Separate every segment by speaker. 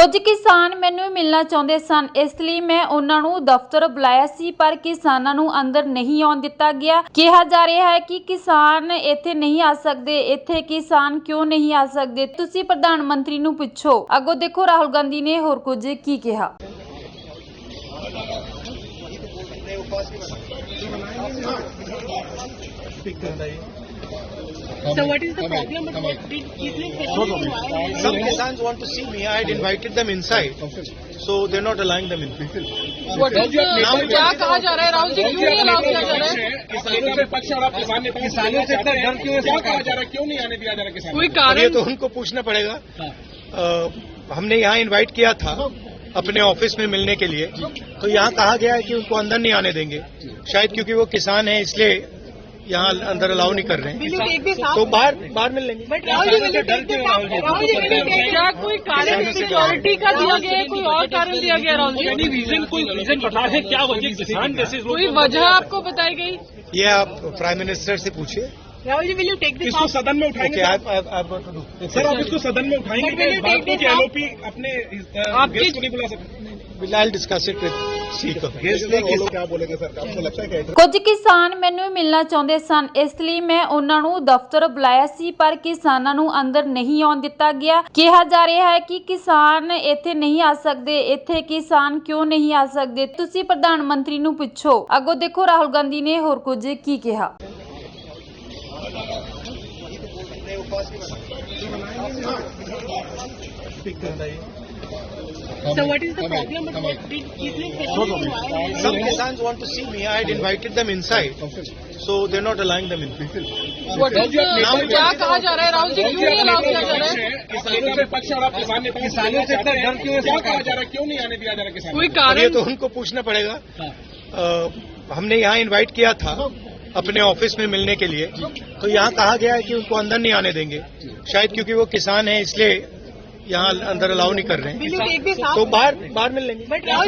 Speaker 1: ਕੁਝ ਕਿਸਾਨ ਮੈਨੂੰ ਮਿਲਣਾ ਚਾਹੁੰਦੇ ਸਨ, ਇਸ ਲਈ ਮੈਂ ਉਹਨਾਂ ਨੂੰ ਦਫ਼ਤਰ ਬੁਲਾਇਆ ਸੀ, ਪਰ ਕਿਸਾਨਾਂ ਨੂੰ ਅੰਦਰ ਨਹੀਂ ਆਉਣ ਦਿੱਤਾ ਗਿਆ। ਕਿਹਾ ਜਾ ਰਿਹਾ ਹੈ ਕਿ ਕਿਸਾਨ ਇੱਥੇ ਨਹੀਂ ਆ ਸਕਦੇ। ਇੱਥੇ ਕਿਸਾਨ ਕਿਉਂ ਨਹੀਂ ਆ ਸਕਦੇ? ਤੁਸੀਂ ਪ੍ਰਧਾਨ ਮੰਤਰੀ ਨੂੰ ਪੁੱਛੋ। ਅੱਗੋਂ ਦੇਖੋ ਰਾਹੁਲ ਗਾਂਧੀ ਨੇ ਹੋਰ ਕੁਝ ਕੀ ਕਿਹਾ।
Speaker 2: So what is the problem about
Speaker 3: Some Kisans want to see me. I had invited them inside, so they're not allowing them in.
Speaker 2: क्या कहा जा रहा है राहुल जी, क्यों नहीं अलाउ किया जा रहा है?
Speaker 4: किसानों से पक्ष और आप किसानों से इतना डर क्यों है? क्या कहा जा रहा है, क्यों नहीं आने दिया जा रहा किसान?
Speaker 2: कोई
Speaker 3: ये
Speaker 2: कारण?
Speaker 3: तो उनको पूछना पड़ेगा। हमने यहाँ इनवाइट किया था अपने ऑफिस में मिलने के लिए, तो यहाँ कहा गया है कि उनको अंदर नहीं आने देंगे, शायद क्योंकि वो किसान है इसलिए यहाँ अंदर अलाउ नहीं कर रहे हैं, तो बाहर मिल लेंगे।
Speaker 2: क्या कोई कारण सिक्योरिटी का दिया गया है, कोई और कारण दिया गया राहुल जी?
Speaker 4: एनी रीजन, कोई रीजन बता है क्या वजह किसान जैसे
Speaker 2: कोई वजह आपको बताई गई?
Speaker 3: ये आप प्राइम मिनिस्टर से पूछिए।
Speaker 2: Rahul ji, will you take this?
Speaker 4: इसको सदन में उठाएंगे सर, आप इसको सदन में उठाएंगे
Speaker 2: But will you take this
Speaker 4: LOP अपने
Speaker 2: आपकी-
Speaker 4: गेस्ट को नहीं बुला सकते?
Speaker 3: I'll discuss it with Sikar.
Speaker 4: क्या बोलेंगे सर, आपको लगता है क्या?
Speaker 1: ਕੁਝ ਕਿਸਾਨ ਮੈਨੂੰ ਮਿਲਣਾ ਚਾਹੁੰਦੇ ਸਨ, ਇਸ ਲਈ ਮੈਂ ਉਹਨਾਂ ਨੂੰ ਦਫ਼ਤਰ ਬੁਲਾਇਆ ਸੀ, ਪਰ ਕਿਸਾਨਾਂ ਨੂੰ ਅੰਦਰ ਨਹੀਂ ਆਉਣ ਦਿੱਤਾ ਗਿਆ। ਕਿਹਾ ਜਾ ਰਿਹਾ ਹੈ ਕਿ ਕਿਸਾਨ ਇੱਥੇ ਨਹੀਂ ਆ ਸਕਦੇ। ਇੱਥੇ ਕਿਸਾਨ ਕਿਉਂ ਨਹੀਂ ਆ ਸਕਦੇ? ਤੁਸੀਂ ਪ੍ਰਧਾਨ ਮੰਤਰੀ ਨੂੰ ਪੁੱਛੋ। ਅੱਗੋਂ ਦੇਖੋ ਰਾਹੁਲ ਗਾਂਧੀ ਨੇ ਹੋਰ ਕੁਝ ਕੀ ਕਿਹਾ।
Speaker 2: So what is the problem about
Speaker 3: Some Kisans want to see me. I had invited them inside, so they're not allowing them in.
Speaker 2: क्या कहा जा रहा है राहुल जी, क्यों नहीं अलाउ किया जा रहा है?
Speaker 4: किसानों से पक्ष और आप किसानों से इतना डर क्यों है? क्या कहा जा रहा है, क्यों नहीं आने दिया जा रहा किसान?
Speaker 2: कोई
Speaker 3: ये
Speaker 2: कारण?
Speaker 3: तो उनको पूछना पड़ेगा। हमने यहाँ इनवाइट किया था अपने ऑफिस में मिलने के लिए, तो यहाँ कहा गया है कि उनको अंदर नहीं आने देंगे, शायद क्योंकि वो किसान है इसलिए यहाँ अंदर अलाउ नहीं कर रहे हैं, तो बाहर मिल लेंगे।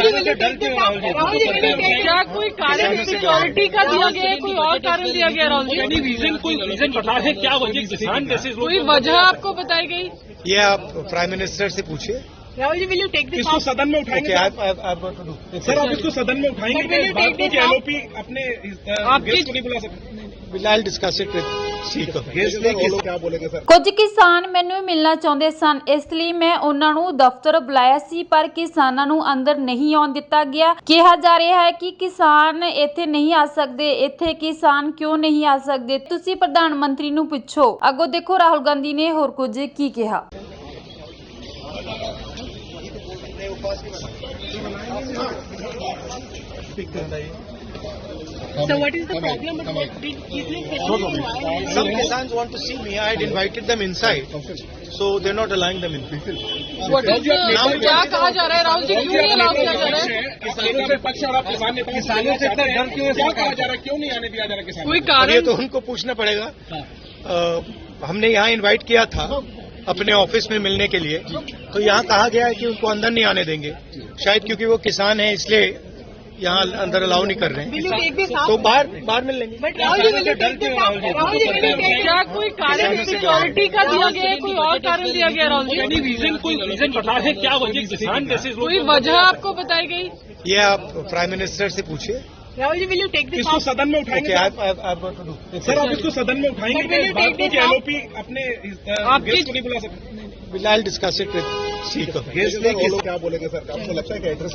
Speaker 2: क्या कोई कारण सिक्योरिटी का दिया गया है, कोई और कारण दिया गया राहुल जी?
Speaker 4: एनी रीजन, कोई रीजन बता है क्या वजह किसान जैसे
Speaker 2: कोई वजह आपको बताई गई?
Speaker 3: ये आप प्राइम मिनिस्टर से पूछिए।
Speaker 2: Rahul ji, will you take this?
Speaker 4: इसको सदन में उठाएंगे सर, आप इसको सदन में उठाएंगे
Speaker 2: But will you take this
Speaker 4: LOP अपने
Speaker 2: आपकी-
Speaker 4: गेस्ट को नहीं बुला सकते?
Speaker 3: I'll discuss it with Sikar.
Speaker 4: क्या बोलेंगे सर?
Speaker 1: ਕੁਝ ਕਿਸਾਨ ਮੈਨੂੰ ਮਿਲਣਾ ਚਾਹੁੰਦੇ ਸਨ, ਇਸ ਲਈ ਮੈਂ ਉਹਨਾਂ ਨੂੰ ਦਫ਼ਤਰ ਬੁਲਾਇਆ ਸੀ, ਪਰ ਕਿਸਾਨਾਂ ਨੂੰ ਅੰਦਰ ਨਹੀਂ ਆਉਣ ਦਿੱਤਾ ਗਿਆ। ਕਿਹਾ ਜਾ ਰਿਹਾ ਹੈ ਕਿ ਕਿਸਾਨ ਇੱਥੇ ਨਹੀਂ ਆ ਸਕਦੇ। ਇੱਥੇ ਕਿਸਾਨ ਕਿਉਂ ਨਹੀਂ ਆ ਸਕਦੇ? ਤੁਸੀਂ ਪ੍ਰਧਾਨ ਮੰਤਰੀ ਨੂੰ ਪੁੱਛੋ। ਅੱਗੋਂ ਦੇਖੋ ਰਾਹੁਲ ਗਾਂਧੀ ਨੇ ਹੋਰ ਕੁਝ ਕੀ ਕਿਹਾ।
Speaker 2: So what is the problem about
Speaker 3: Some Kisans want to see me. I had invited them inside, so they're not allowing them in.
Speaker 2: क्या कहा जा रहा है राहुल जी, क्यों नहीं अलाउ किया जा रहा है?
Speaker 4: किसानों से पक्ष और आप किसानों से इतना डर क्यों है? क्या कहा जा रहा है, क्यों नहीं आने दिया जा रहा किसान?
Speaker 2: कोई
Speaker 3: ये
Speaker 2: कारण?
Speaker 3: तो उनको पूछना पड़ेगा। हमने यहाँ इनवाइट किया था अपने ऑफिस में मिलने के लिए, तो यहाँ कहा गया है कि उनको अंदर नहीं आने देंगे, शायद क्योंकि वो किसान है इसलिए यहाँ अंदर अलाउ नहीं कर रहे हैं, तो बाहर मिल लेंगे।
Speaker 2: क्या कोई कारण सिक्योरिटी का दिया गया है, कोई और कारण दिया गया राहुल जी?
Speaker 4: एनी रीजन, कोई रीजन बता है क्या वजह किसान जैसे
Speaker 2: कोई वजह आपको बताई गई?
Speaker 3: ये आप प्राइम मिनिस्टर से पूछिए।
Speaker 2: Rahul ji, will you take this?
Speaker 4: इसको सदन में उठाएंगे सर, आप इसको सदन में उठाएंगे
Speaker 2: But will you take this?
Speaker 4: LOP अपने
Speaker 2: आपकी-
Speaker 4: गेस्ट को नहीं बुला सकते?
Speaker 3: I'll discuss it with Sikar.
Speaker 4: क्या बोलेंगे सर, आपको लगता है क्या?